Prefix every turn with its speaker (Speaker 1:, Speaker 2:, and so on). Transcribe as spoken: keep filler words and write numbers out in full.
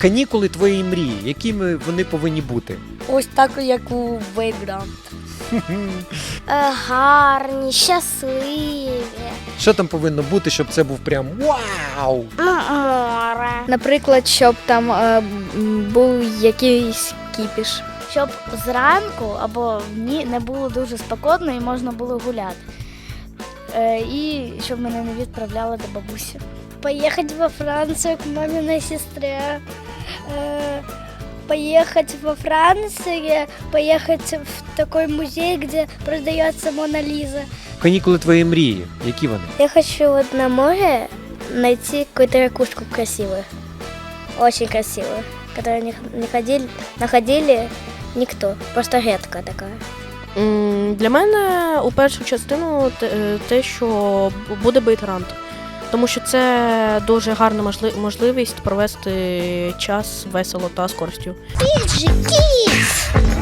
Speaker 1: Канікули твоєї мрії, якими вони повинні бути?
Speaker 2: Ось так, як у Вейграунд.
Speaker 3: Гарні, щасливі.
Speaker 1: Що там повинно бути, щоб це був прям вау?
Speaker 3: Море.
Speaker 2: Наприклад, щоб там е, м, був якийсь кіпіш.
Speaker 3: Щоб зранку або в дні не було дуже спекотно і можна було гуляти.
Speaker 2: Е, і щоб мене не відправляли до бабусі.
Speaker 3: Поехать во Францию к маминой сестре. Э, Поехать во Францию, поехать в такой музей, где продается Мона Лиза.
Speaker 1: Канікули твоєї мрії, які вони?
Speaker 3: Я хочу вот на море найти какую-то ракушку красивую. Очень красивую. Которую не, не ходили, находили никто. Просто редко такая.
Speaker 4: М, Для мене у першу частину те- те, що буде бейт-рант. Тому що це дуже гарна можли- можливість провести час весело та з користю.
Speaker 3: Фіджі Кідс!